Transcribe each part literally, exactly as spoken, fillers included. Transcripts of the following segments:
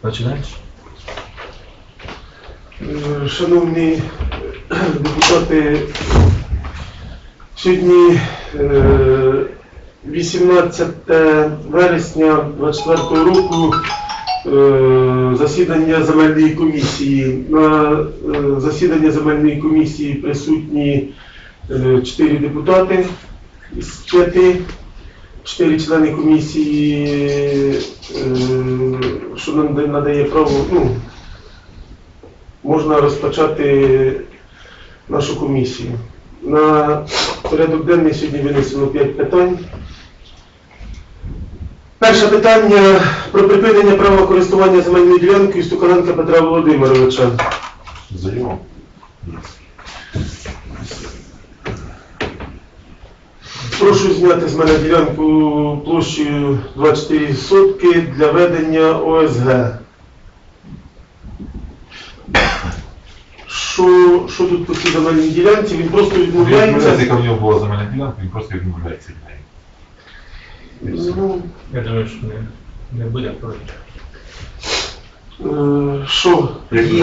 Починаєш? Шановні депутати, сьогодні вісімнадцяте вересня двадцять четвертого року засідання земельної комісії. На засідання земельної комісії присутні чотири депутати з п'яти, чотири члени комісії, що нам надає право, ну, можна розпочати нашу комісію. На порядок денний сьогодні винесено п'ять питань. Перше питання про припинення права користування земельною ділянкою Стуканенка Петра Володимировича. Заява. Прошу зняти з мене ділянку площею двадцять чотири сотки для ведення О С Г. Що, що тут по цій земельній ділянці? Він просто відмовляється. Яка в нього була земельна ділянка, він просто відмовляється від неї. Ну, Я думаю, що не, не буде проти. е, Що? Її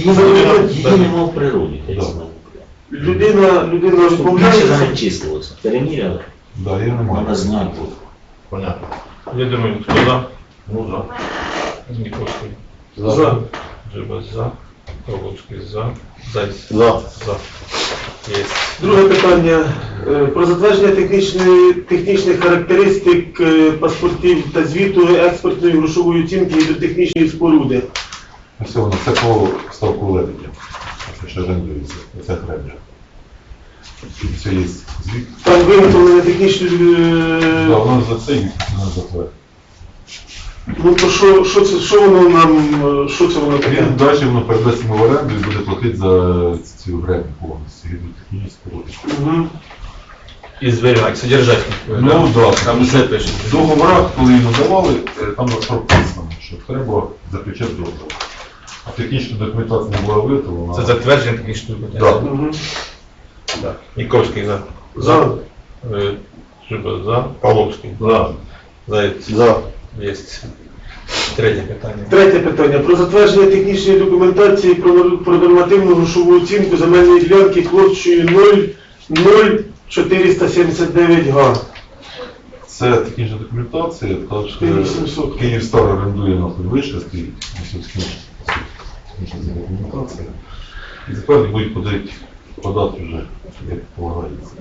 нема в природі. Людина, людина Більше відмовляється. занечислилося. Переміряли? Да, я не Вона маю. знак був. Понятно. Я думаю, хто за? Ну да. Ніковський. За. Джиба за. Павловський за. Зайць. За. За. Є. Друге питання. Е, Про затвердження технічної, технічних характеристик е, паспортів та звіту експортної грошової оцінки до технічної споруди. Все, воно це по ставку лебедя. Це ще орендується. Це гребля. Все є звіт. Там виготовлення технічної... Да, е, воно за це і не затвердить. Ну то що, що, це, що воно нам, е, що це воно таке? Він далі воно передасть йому в оренду і буде платити за цю греблю повністю. Гідротехнічні споруди. Угу. І зберігати, содержательник. Ну да, Там все пише. в договорах, коли йому давали, е, там прописано, що треба заключати договор. А технічна документація не була виготовлена. Це затвердження технічної Да. документації. Угу. Да. Ніковський за. За. Е, Джиба за. Павловський. За. Зайць. За. Є. Третє питання. Третє питання. Про затвердження технічної документації про, про нормативну грошову оцінку земельної ділянки площею нуль нуль чотириста сімдесят дев'ять га. Це технічна документація, так що чотири тисячі сімсот. Київстар орендує на вишка стоїть, технічна документація. І тепер будуть подати, подати вже, як полагається.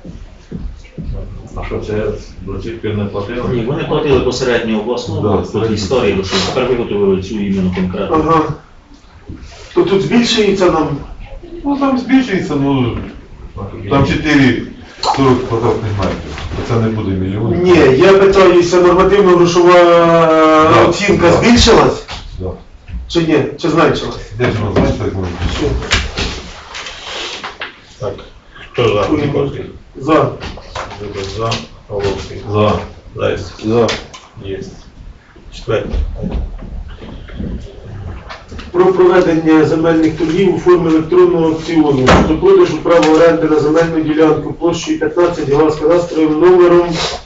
А що це до цих пір не платили? Ні, вони платили посередньо обласну, Да, по тій середньо. історії, що тепер виготовили цю іменно конкретно. Ага. То тут збільшується нам? Ну там збільшується, ну там чотири сорок квадратних метрів. Це не буде мільйон. Ні, я питаюся, нормативно грошова Да, оцінка да. збільшилась? Да. Чи ні? Чи зменшилась? Де ж воно знаєте, як воно? Що? Так. Хто за? Ніковський. За. Джиба за. Павловський. За. Зайць. За. Є. Четверте. Про проведення земельних торгів у формі електронного аукціону до продажу права оренди на земельну ділянку площею п'ятнадцять га з кадастровим номером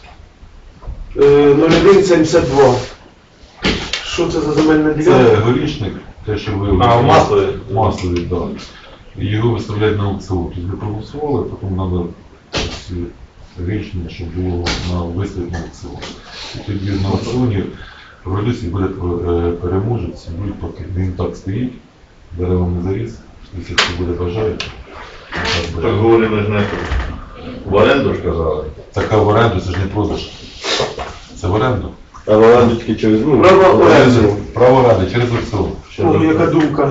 нуль один сімдесят два. Що це за земельна Це ділянка? горішник, те, що ви... А, в Маслові? Маслові, так. Його виставляють на аукціон. Тобто ви проголосували, потім треба рішення, щоб було на виставити на аукціон. І тоді на аукціоні продавці буде е, переможець, будуть поки він так стоїть, дерева не заріз, якщо хто буде бажаючи. Так говорили ж не в оренду ж казали. Така в оренду, це ж не продаж. Це в оренду. А в оренду тільки через ну, Право оренди. Право оренди через аукціон. О, яка думка?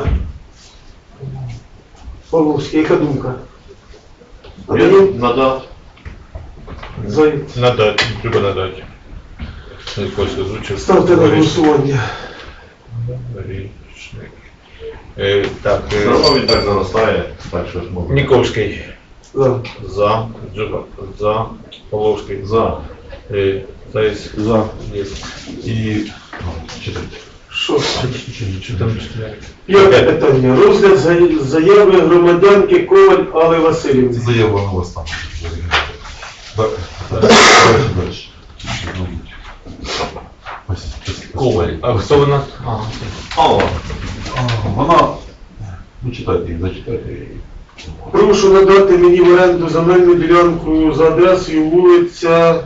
Павловський, яка думка? А Я мені надав. Зайць. Надати. Треба надати. Ніковський озвучив. Ставте на голосування. Горішник. Е, Так. е, Все одно він так заростає, так що ж можна. Ніковський. За. За. Джиба. За. Павловський. За. Е, Зайць. за. Є. І... ну, читайте. Що? Що там читається? П'яте питання. Розгляд за- заяви громадянки Коваль Алли Це Васильівни. заява на вас там. Далі, далі. Мабуть. Ось, ось, ось. Коваль. А хто вона? Ага. Алла. Вона, ну читайте їх, зачитайте її. Прошу надати мені в оренду земельну ділянку за адресою вулиця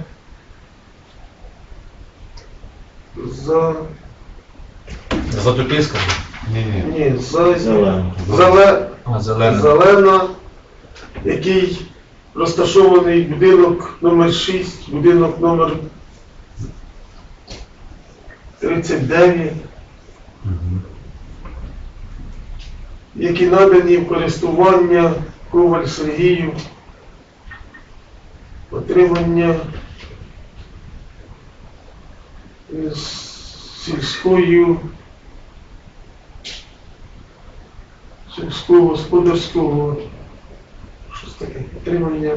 за... Затопільська? Ні-ні. Ні, за... Зелено. Зале... А, зелена. Зелена, який розташований будинок номер шість, будинок номер тридцять дев'ять, Мгм. які надані в користування Коваль Сергію, отримання з сільською сільського господарського щось таке, отримання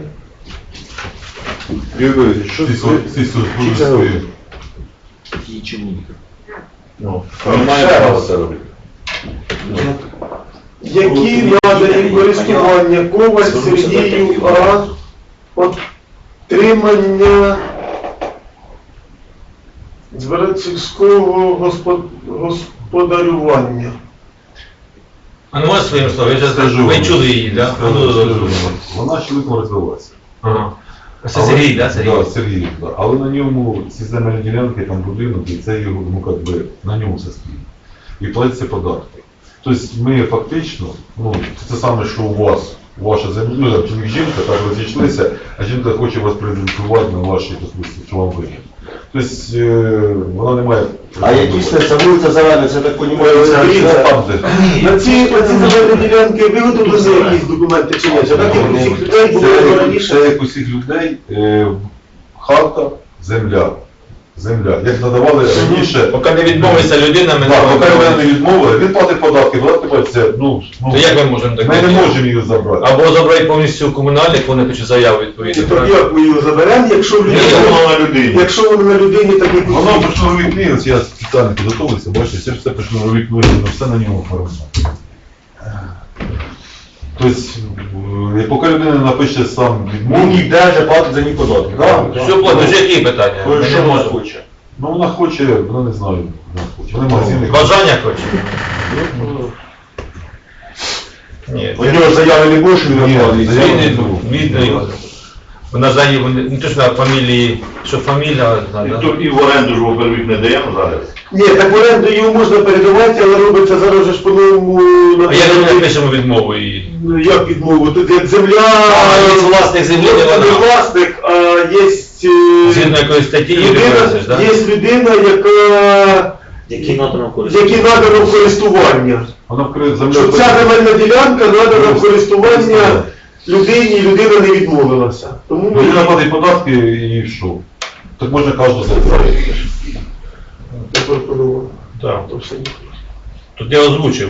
Юрій, що це? Сільськогосподарської. Її чому? Ну, Немає права це робити. які надані в користування Коваль Сергію, а отримання сільського господ- господарювання. А ну можеш своїм словом, я зараз Скажу ви вам. чули її, так? Скажу, скажу вам. Вона швидко розвилася. Ага. Це Сергій, так? Сергій? Так, Сергій, да. Але на ньому ці земельні ділянки, там будинок, і це його, ну, как би, на ньому все стоїть. І платяться податки. Тобто ми фактично, ну, це саме, що у вас, ваша земля, ну, там, чоловік жінка, так розійшлися, а жінка хоче вас презентувати на вашій, допустим, що вам вигідно. Тобто е, вона не має... А якісь це вулиця Зелена, це так понімаю, Це це там, де... На ці, на ці земельні ділянки виготовлені якісь документи чи ні? Це так, як у всіх людей було Це, раніше? це як усіх людей, е, хата, земля. Земля. Як надавали раніше. Поки не відмовиться людина, ми Так, не поки можемо. мене не відмовили, він платить податки, податки платиться, ну, ну, То як ми можемо так? ми не можемо її забрати. Або забрати повністю комунальник, вони пишуть заяву відповідно. Тоді як ми його заберемо, якщо в Ні, людині, воно на людині. якщо воно на людині так і Воно почнурові книги, ось я спеціально підготовився, бачите, це все почнурові книги, воно все на ньому оформлено. Тобто, е, поки людина напише сам Ну, відмову, ніде же платить за ні податки. Да. Все, платить, які питання? Ой, Ми що не вона можемо. хоче? ну вона хоче, вона не знаю, вона хоче. Вона магазини. Бажання хоче? Ні. У нього заяви не більше, він Ні, оплатить. заяви не Видно, було. видно. Вона за її, не то, що фамілії, що фамілія, І, да? то, і в оренду ж во-первых не даємо зараз. Ні, так в оренду його можна передавати, але робиться зараз же ж по-новому А як ми напишемо відмову її? Ну, як відмову? Тут як земля, А, є власник землі, не не вона. власник, а є Згідно якоїсь статті її людина, відносиш, так? є людина, яка, Які надано користування? які надано в користування. Вона вкриє землю. Що ця земельна ділянка надана в користування людині, і людина не відмовилася. Тому ми Людина платить податки і що? Так можна кожного забрати. запропонували. Так. То все. Тут я озвучив.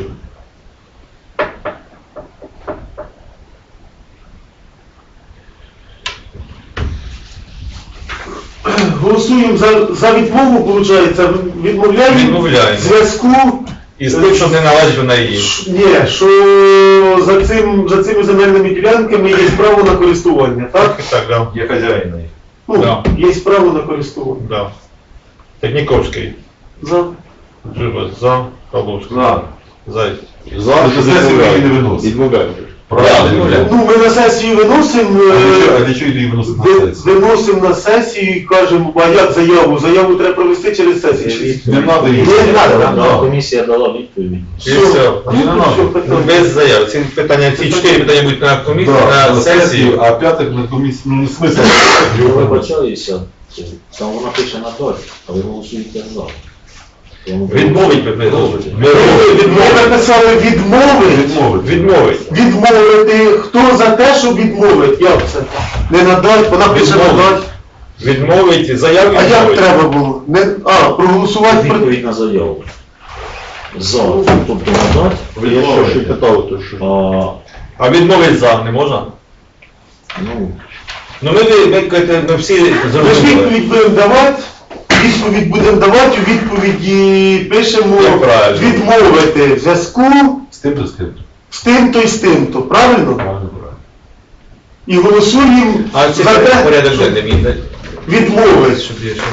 Голосуємо за, за відмову, виходить, відмовляємо Відмовляємо. в зв'язку І з тим, щоб не належить вона її. Ш- Ні, що за, цим, за цими земельними ділянками є право на користування, так? Так, да. Є хазяїн. Ну, Да. є право на користування. Да. Техніковський. За. Живе за Павловський. За. Зай. Зараз Це сесію її не виносить. відмовляють. Правильно. Ну, ми на сесію виносимо, А для чого- а е, для чого її виносить на ви- сесію? виносимо на сесію і кажемо, а як заяву? Заяву треба провести через сесію. Не треба її. Не треба, Да, да. Комісія дала відповідь. І все. Ну, Не то надо. що питання? Без заяв. Ці питання, ці чотири питання будуть на комісії, Да, на сесії. а п'ятих на комісії, ну не смисл. Я вибачаюся, там вона пише на дощ, а ви голосуєте за. Тому- Відмовить ви голосуєте. Ми написали відмови. Відмовити. Відмовить. Відмовити. Хто за те, щоб відмовити? Як це? Не надать, вона пише Відмовити. надать. Відмовить, заяву А як відмовить. треба було? Не, а, проголосувати проти. Відповідь на заяву. За, тобто надати, Я що ще питав, то що? а, А відмовить за не можна? ну, Ну ми, ви, ви, кажете, ми всі Ми ж зрозуміли. відповідь будемо давати, відповідь будемо давати, у відповіді пишемо Як правильно. відмовити в зв'язку З тим то з тим. з тим-то і з тим-то, правильно? Правильно, правильно. І голосуємо А це за те, порядок щоб денний мій, так? відмовити. Щоб я ще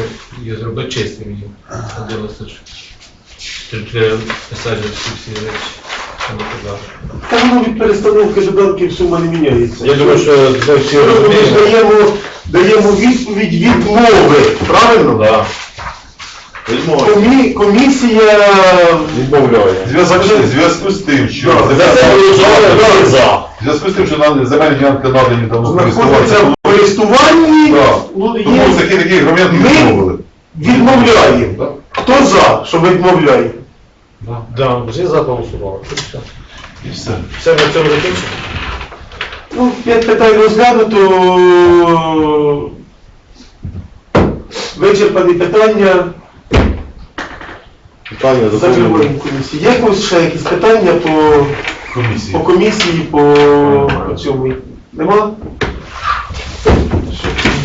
її зробити чистим її. Ходилося ж. Треба писати всі всі речі, що не казав. Та воно від перестановки доданків сума не міняється. Я думаю, що ми всі Ми ж розуміємо. даємо, даємо відповідь відмови, правильно? Да. Відмовити. Комі, комісія Відмовляє. В зв'язку з- в зв'язку з тим, що Да, За це голосували за. в зв'язку з тим, що на земельні ділянки надані давно знаходиться користуватися, в користуванні, Да. ну, тому є, такі такі громадяни Ми- відмовили. відмовляємо. Да. Хто за, що відмовляє? Да. Да, всі за голосували. І все. І все. Все, на цьому закінчимо. Ну, п'ять питань розглянуто. Вичерпані питання. Питання Закриваємо закону. комісію. Є якось ще якісь питання по, Комісії. по комісії, по, по цьому? Нема? Що?